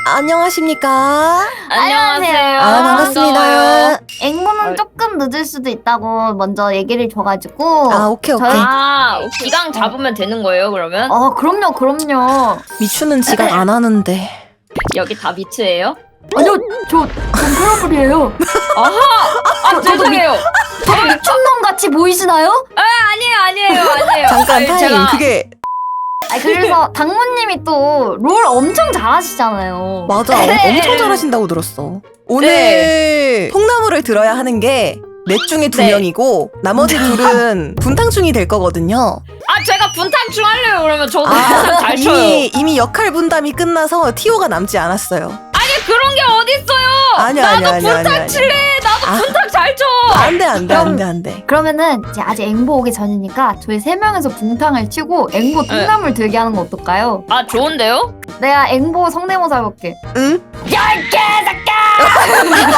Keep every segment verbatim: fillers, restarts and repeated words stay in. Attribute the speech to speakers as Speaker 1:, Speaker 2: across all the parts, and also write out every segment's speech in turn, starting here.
Speaker 1: 안녕하십니까?
Speaker 2: 안녕하세요.
Speaker 1: 아, 반갑습니다.
Speaker 2: 앵무는 조금 늦을 수도 있다고 먼저 얘기를 줘가지고.
Speaker 1: 아, 오케이, 오케이.
Speaker 2: 저희-
Speaker 3: 아, 기강 잡으면 되는 거예요, 그러면?
Speaker 2: 어, 그럼요, 그럼요.
Speaker 1: 미추는 지각 안 하는데.
Speaker 3: 여기 다 미츠예요?
Speaker 2: 아니요, 저 동크러블이에요.
Speaker 3: 아, 죄송해요.
Speaker 2: 저 미친놈 같이 보이시나요?
Speaker 3: 아니에요, 아니에요, 아니에요.
Speaker 1: 잠깐
Speaker 3: 아니,
Speaker 1: 타임.
Speaker 3: 제가-
Speaker 1: 그게
Speaker 2: 아, 그래서 당무님이 또 롤 엄청 잘하시잖아요.
Speaker 1: 맞아.
Speaker 3: 네.
Speaker 1: 엄청 잘하신다고 들었어. 오늘 통나무를 들어야 하는 게 넷 중에 두
Speaker 3: 네.
Speaker 1: 명이고 나머지 둘은 분탕충이 될 거거든요.
Speaker 3: 아, 제가 분탕충 할래요, 그러면. 저도 분탕 잘 쳐요.
Speaker 1: 이미 이미 역할 분담이 끝나서 티오가 남지 않았어요.
Speaker 3: 아니, 그런 게 어딨어요.
Speaker 1: 아니야,
Speaker 3: 나도
Speaker 1: 아니야, 아니야,
Speaker 3: 분탕
Speaker 1: 아니야,
Speaker 3: 칠래. 나도
Speaker 1: 아.
Speaker 3: 분탕 잘 쳐.
Speaker 1: 안돼 안돼 안돼 안돼.
Speaker 2: 그러면은 이제 아직 앵보 오기 전이니까 저희 세 명에서 붕탕을 치고 앵보 통나물 들게 하는 거 어떨까요?
Speaker 3: 아, 좋은데요?
Speaker 2: 내가 앵보 성대모사 해볼게.
Speaker 1: 응?
Speaker 3: 야, 이 개새끼야!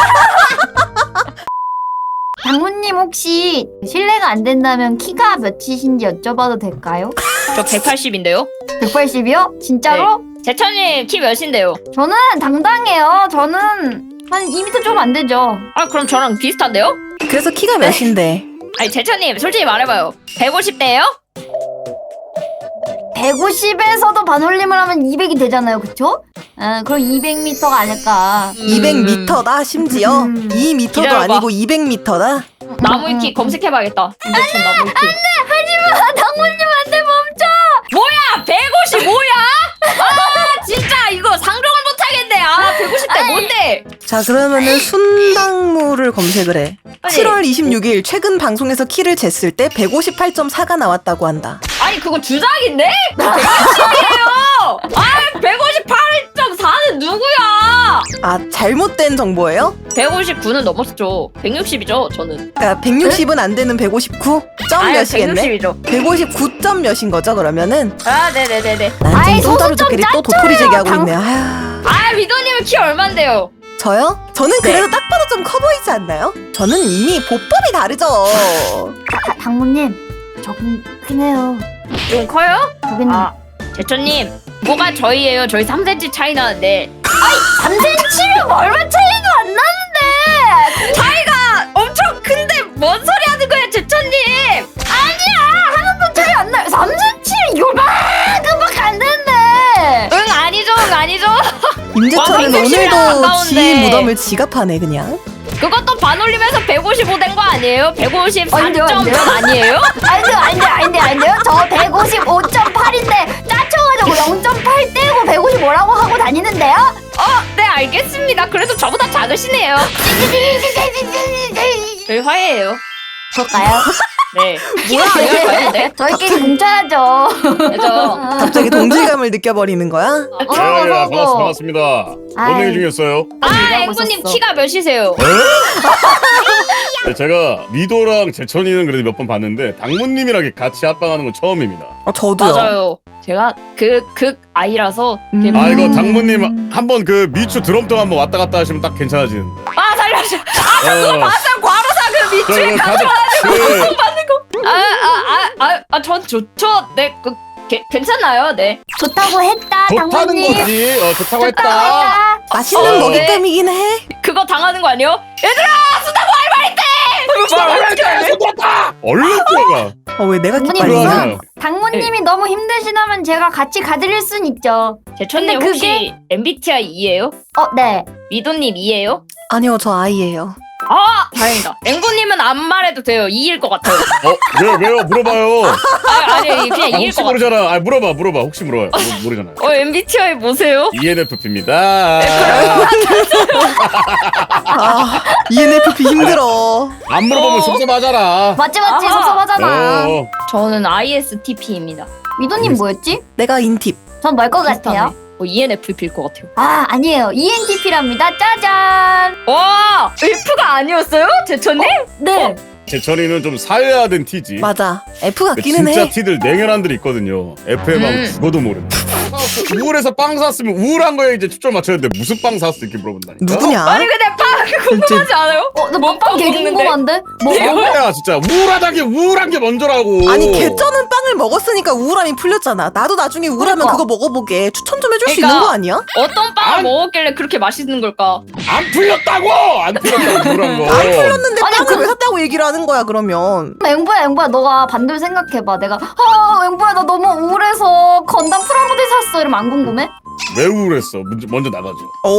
Speaker 2: 당무님 혹시 실례가 안 된다면 키가 몇이신지 여쭤봐도 될까요?
Speaker 3: 저 백팔십인데요?
Speaker 2: 백팔십이요? 진짜로?
Speaker 3: 제천님 키 몇인데요?
Speaker 2: 저는 당당해요. 저는 한 이 미터 좀 안 되죠.
Speaker 3: 아, 그럼 저랑 비슷한데요?
Speaker 1: 그래서 키가 몇인데?
Speaker 3: 아니, 제천님 솔직히 말해봐요. 백오십 대예요?
Speaker 2: 백오십에서도 반올림을 하면 이백이 되잖아요. 그쵸? 아, 그럼 이백 미터가 아닐까.
Speaker 1: 이백 미터다 심지어
Speaker 2: 음.
Speaker 1: 이 미터도
Speaker 3: 기다려봐.
Speaker 1: 아니고 이백 미터다.
Speaker 3: 나무위키
Speaker 2: 음.
Speaker 3: 검색해봐야겠다. 인덕션 나무위키.
Speaker 2: 하지마! 당무님한테 멈춰!
Speaker 3: 뭐야, 백오십오야? 아, 진짜 이거 상종을 못하겠네. 아, 백오십 대 뭔데?
Speaker 1: 자 그러면은 순당무를 검색을 해.
Speaker 3: 아니,
Speaker 1: 칠월 이십육일 최근 방송에서 키를 쟀을 때 백오십팔 점 사가 나왔다고 한다.
Speaker 3: 아니 그거 주작인데? 백오십이에요. 아, 백오십팔 점 사는 누구야?
Speaker 1: 아 잘못된 정보예요?
Speaker 3: 백오십구는 넘었죠. 백육십이죠, 저는.
Speaker 1: 그러니까 백육십은 안 되는 백오십구 점
Speaker 3: 아유,
Speaker 1: 몇이겠네?
Speaker 3: 백육십이죠.
Speaker 1: 백오십구 점 몇인 거죠 그러면은?
Speaker 3: 아, 네네네네.
Speaker 1: 난좀
Speaker 2: 아이,
Speaker 1: 똥따루
Speaker 2: 소수 좀
Speaker 1: 조끼리 또 도토리 제기하고 있네요. 아휴.
Speaker 3: 아, 위도님은 키 얼만데요?
Speaker 1: 저요? 저는
Speaker 3: 네.
Speaker 1: 그래도 딱 봐도 좀 커 보이지 않나요? 저는 이미 보법이 다르죠.
Speaker 2: 다, 당무님, 저긴 크네요.
Speaker 3: 좀 커요?
Speaker 2: 저긴
Speaker 3: 아, 제천님 뭐가 저희예요? 저희 삼 센티미터 차이 나는데.
Speaker 2: 삼 센티미터면 얼마 차이도 안 나는데!
Speaker 3: 차이가 엄청 큰데 뭔 소리 하는 거야, 제천님?
Speaker 2: 아니야! 하나도 차이 안 나요. 삼 센티미터면 요만큼밖에 안 되는데!
Speaker 3: 응, 아니죠, 응, 아니죠.
Speaker 1: 임재철은
Speaker 3: 와, 백육십이랑
Speaker 1: 오늘도
Speaker 3: 가까운데.
Speaker 1: 지 무덤을 지갑하네 그냥.
Speaker 3: 그것도 반올림해서 백오십오 된 거 아니에요? 백오십사
Speaker 2: 아닌데요,
Speaker 3: 점
Speaker 2: 아닌데요?
Speaker 3: 아니에요?
Speaker 2: 아닌데요, 아닌데요, 아닌데요, 아닌데요? 저 백오십오 점 팔인데 짜쳐가지고 영 점 팔 떼고 백오십오라고 하고 다니는데요?
Speaker 3: 어, 네, 알겠습니다. 그래도 저보다 작으시네요. 저희 화해해요.
Speaker 2: 그럴까요?
Speaker 3: 네. 뭐야, 이걸 했는데?
Speaker 2: 저희끼리 뭉쳐야죠.
Speaker 3: 그죠?
Speaker 1: 갑자기 동질감을 느껴버리는 거야?
Speaker 2: 어서
Speaker 4: 예, 예,
Speaker 2: 어서
Speaker 4: 반갑습니다. 반갑습니다.
Speaker 2: 아이.
Speaker 4: 어느 일 중이었어요?
Speaker 3: 아,
Speaker 2: 얘기하고
Speaker 3: 앵구님
Speaker 2: 있었어.
Speaker 3: 키가 몇이세요?
Speaker 4: 네, 제가 미도랑 제천이는 그래도 몇 번 봤는데 당무님이랑 같이 합방하는 건 처음입니다.
Speaker 1: 어, 저도요.
Speaker 3: 맞아요. 제가 그, 극 아이라서. 되게
Speaker 1: 음.
Speaker 4: 아 이거 당무님 한번 그 미추 드럼통 한번 왔다 갔다 하시면 딱 괜찮아지는.
Speaker 3: 아, 살려줘.
Speaker 4: 어,
Speaker 3: 봤어요. 과로사 그
Speaker 4: 저
Speaker 3: 밑에
Speaker 4: 이거
Speaker 3: 가서.
Speaker 4: 가자. 그,
Speaker 3: 아, 아, 아, 아, 아, 전 좋죠. 네, 그, 게, 괜찮아요. 네.
Speaker 2: 좋다고 했다,
Speaker 4: 좋다는
Speaker 2: 당무님.
Speaker 4: 거지. 어, 좋다고 했다.
Speaker 2: 했다.
Speaker 1: 맛있는
Speaker 3: 어,
Speaker 1: 먹잇감이긴 해.
Speaker 3: 그거 당하는 거 아니에요? 얘들아, 수다고 할 말인데!
Speaker 4: 얼른 들어가.
Speaker 1: 어 왜 내가
Speaker 2: 당무님
Speaker 1: 기빨리냐?
Speaker 4: 들어가세요.
Speaker 2: 우선 당무님이 너무 힘드시다면 제가 같이 가드릴 순 있죠.
Speaker 3: 제천님
Speaker 2: 근데
Speaker 3: 혹시 엠비티아이 이예요?
Speaker 2: 어, 네.
Speaker 3: 위도님 이예요?
Speaker 1: 아니요 저 아이예요.
Speaker 3: 아, 다행이다. 앵보님은 안 말해도 돼요. 이일 것 같아요.
Speaker 4: 어, 왜요? 왜요? 물어봐요.
Speaker 3: 아, 아니, 그냥
Speaker 4: 아,
Speaker 3: 이일
Speaker 4: 혹시
Speaker 3: 것 같아요.
Speaker 4: 모르잖아. 아, 물어봐, 물어봐. 혹시 물어봐요. 모- 모르잖아요.
Speaker 3: 어, 엠비티아이 뭐세요?
Speaker 4: 이엔에프피입니다.
Speaker 1: 아 이엔에프피 힘들어.
Speaker 4: 안 물어보면
Speaker 3: 어.
Speaker 4: 섭섭하잖아.
Speaker 2: 맞지, 맞지.
Speaker 3: 아하.
Speaker 2: 섭섭하잖아.
Speaker 4: 어.
Speaker 3: 저는 아이에스티피입니다.
Speaker 2: 위도님 뭐였지?
Speaker 1: 내가 인팁.
Speaker 2: 전 뭘 것 같아요?
Speaker 3: 어, 이엔에프피일 것 같아요.
Speaker 2: 아, 아니에요. 이엔티피랍니다. 짜잔.
Speaker 3: 와, 엘프가 아니었어요? 제천님?
Speaker 2: 네.
Speaker 4: 제철이는 좀 사회화된 티지.
Speaker 1: 맞아. F
Speaker 4: 근데
Speaker 1: 같기는
Speaker 4: 진짜
Speaker 1: 해.
Speaker 4: 티들 냉혈한들이 있거든요. 에프엠 하면
Speaker 3: 음.
Speaker 4: 죽어도 모른다. 우울해서 빵 샀으면 우울한 거에 이제 초점 맞춰야 돼. 무슨 빵 샀어 이렇게 물어본다니까.
Speaker 1: 누구냐?
Speaker 3: 아니 근데 빵 궁금하지 않아요?
Speaker 2: 어, 나
Speaker 3: 뭐
Speaker 2: 먹방 개
Speaker 3: 먹는데?
Speaker 2: 궁금한데? 뭐
Speaker 4: 아, 뭐야 진짜 우울하다는 게 우울한 게 먼저라고.
Speaker 1: 아니 개쩌는 빵을 먹었으니까 우울함이 풀렸잖아. 나도 나중에 우울하면
Speaker 2: 그러니까.
Speaker 1: 그거 먹어보게 추천 좀 해줄 수
Speaker 3: 그러니까.
Speaker 1: 있는 거 아니야?
Speaker 3: 어떤 빵을
Speaker 4: 안-
Speaker 3: 먹었길래 그렇게 맛있는 걸까?
Speaker 4: 안 풀렸다고. 안 풀렸다고 우울한 거.
Speaker 1: 안 풀렸는데
Speaker 2: 아니,
Speaker 1: 빵을
Speaker 2: 그-
Speaker 1: 왜 샀다고 얘기를 하는 거야 그러면?
Speaker 2: 앵보야 앵보야 너가 반대로 생각해봐. 내가 아 앵보야 나 너무 우울해서 건담 프라모델 샀어 이러면 안 궁금해?
Speaker 4: 왜 우울했어? 먼저, 먼저 나가죠.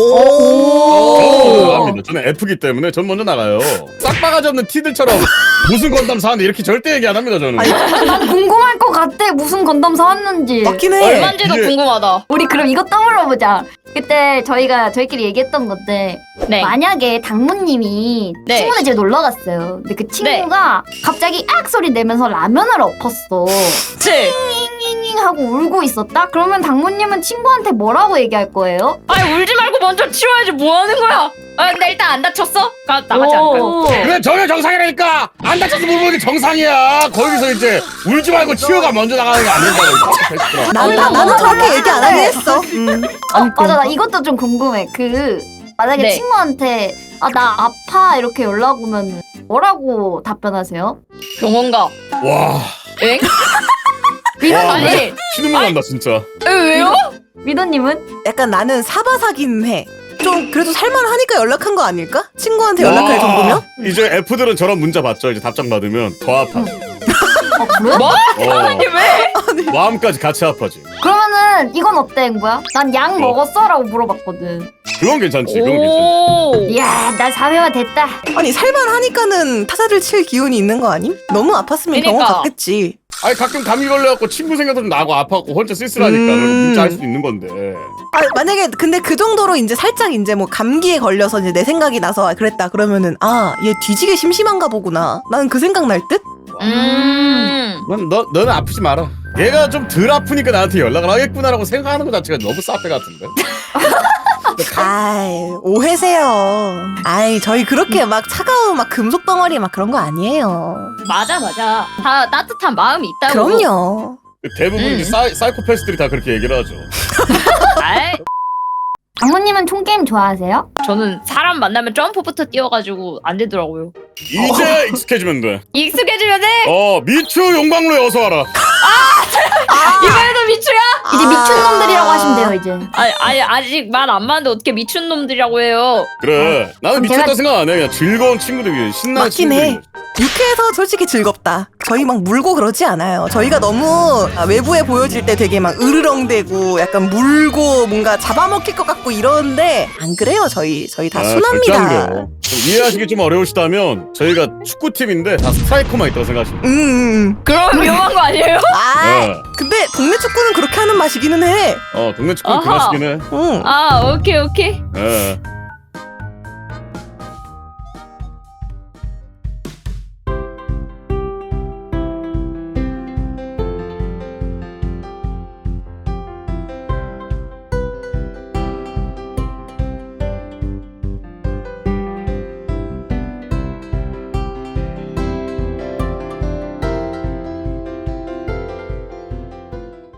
Speaker 1: 오.
Speaker 4: 저는 합니다. 저는 F기 때문에 전 먼저 나가요. 싹바가지 없는 티들처럼 무슨 건담 사는데 이렇게 절대 얘기 안 합니다 저는.
Speaker 1: 아니,
Speaker 2: 난 궁금할 것 같아. 무슨 건담 사왔는지.
Speaker 1: 맞긴 해.
Speaker 3: 얼마인지도
Speaker 4: 이게-
Speaker 3: 궁금하다.
Speaker 2: 우리 그럼 이거 떠물어보자. 그때 저희가 저희끼리 얘기했던 건데
Speaker 3: 네.
Speaker 2: 만약에 당무님이
Speaker 3: 네.
Speaker 2: 친구네 집에 놀러 갔어요. 근데 그 친구가 갑자기 악 소리 내면서 라면을 엎었어.
Speaker 3: 칠.
Speaker 2: 잉잉잉 하고 울고 있었다? 그러면 당무님은 친구한테 뭐라고 얘기할 거예요?
Speaker 3: 아니 울지 말고 먼저 치워야지 뭐 하는 거야? 아 근데 일단 안 다쳤어? 가 나가지 않을까요?
Speaker 2: 오.
Speaker 4: 그래 전혀 정상이라니까. 안 다쳐서 물어보는 게 정상이야. 거기서 이제 울지 말고 치워가 먼저 나가는 게 안 된다고.
Speaker 1: 난, 나, 나는 저렇게 얘기 안 하긴 했어. 음.
Speaker 2: 어, 맞아 나 이것도 좀 궁금해. 그 만약에
Speaker 3: 네.
Speaker 2: 친구한테 아 나 아파 이렇게 연락 오면 뭐라고 답변하세요?
Speaker 3: 병원 가.
Speaker 4: 와.
Speaker 3: 엥?
Speaker 2: 미도님
Speaker 3: 아니
Speaker 4: 신음만 난다 진짜.
Speaker 3: 에, 왜요?
Speaker 2: 미도님은?
Speaker 1: 약간 나는 사바사긴 해. 좀 그래도 살만하니까 연락한 거 아닐까? 친구한테 연락할
Speaker 4: 와.
Speaker 1: 정도면?
Speaker 4: 이제 F들은 저런 문자 받죠. 이제 답장 받으면 더 아파.
Speaker 2: 어 그래?
Speaker 3: 뭐?
Speaker 4: 어.
Speaker 3: 아니 왜?
Speaker 4: 마음까지 같이 아파지.
Speaker 2: 그러면은 이건 어때 앵보야? 난 약
Speaker 4: 어.
Speaker 2: 먹었어? 라고 물어봤거든.
Speaker 4: 그건 괜찮지. 그건 괜찮지.
Speaker 3: 오.
Speaker 2: 이야 나 사회화 됐다.
Speaker 1: 아니 살만하니까는 타자를 칠 기운이 있는 거 아님? 너무 아팠으면 병원
Speaker 3: 그러니까.
Speaker 1: 갔겠지.
Speaker 4: 아니 가끔 감기 걸려갖고 친구 생각도 좀 나고 아파갖고 혼자 쓸쓸하니까
Speaker 1: 음.
Speaker 4: 그럼 문자 할 수도 있는 건데.
Speaker 1: 아, 만약에 근데 그 정도로 이제 살짝 이제 뭐 감기에 걸려서 이제 내 생각이 나서 그랬다 그러면은 아 얘 뒤지게 심심한가 보구나. 나는 그 생각 날 듯?
Speaker 3: 음.
Speaker 4: 넌, 너, 너는 아프지 마라. 얘가 좀 덜 아프니까 나한테 연락을 하겠구나라고 생각하는 것 자체가 너무 사페 같은데.
Speaker 1: 아이 오해세요. 아이 저희 그렇게 막 차가운 막 금속 덩어리 막 그런 거 아니에요.
Speaker 3: 맞아 맞아. 다 따뜻한 마음이 있다고.
Speaker 1: 그럼요.
Speaker 4: 대부분
Speaker 3: 음.
Speaker 4: 이제 사이, 사이코패스들이 다 그렇게 얘기를 하죠.
Speaker 3: 아이,
Speaker 2: 당무님은 총게임 좋아하세요?
Speaker 3: 저는 사람 만나면 점프부터 뛰어가지고 안 되더라고요.
Speaker 4: 이제 익숙해지면 돼.
Speaker 3: 익숙해지면 돼.
Speaker 4: 어 미추 용광로에 어서 와라.
Speaker 3: 이번에도 미추야?
Speaker 2: 이제
Speaker 1: 아.
Speaker 2: 미친놈들이라고 하시면 돼요 이제.
Speaker 3: 아니, 아니 아직 말 안 맞는데 어떻게 미춘 놈들이라고 해요?
Speaker 4: 그래 나는
Speaker 2: 그럼
Speaker 4: 미쳤다
Speaker 2: 제가-
Speaker 4: 생각 안 해. 그냥 즐거운 친구들이 신나는
Speaker 1: 맞긴
Speaker 4: 친구들이.
Speaker 1: 해. 유쾌해서 솔직히 즐겁다. 저희 막 물고 그러지 않아요. 저희가 너무 외부에 보여질 때 되게 막 으르렁대고 약간 물고 뭔가 잡아먹힐 것 같고 이러는데 안 그래요. 저희 저희 다
Speaker 4: 아, 절대 안
Speaker 1: 순합니다.
Speaker 4: 그래요. 좀 이해하시기 좀 어려우시다면 저희가 축구팀인데 다 스트라이커만 있다고 생각하시면
Speaker 1: 음, 음.
Speaker 3: 그럼 위험한 거 아니에요?
Speaker 1: 아,
Speaker 4: 네.
Speaker 1: 근데 동네 축구는 그렇게 하는 맛이기는 해.
Speaker 4: 어 동네 축구는 그
Speaker 3: 아하.
Speaker 4: 맛이긴 해.
Speaker 1: 응.
Speaker 3: 아 오케이 오케이.
Speaker 4: 예.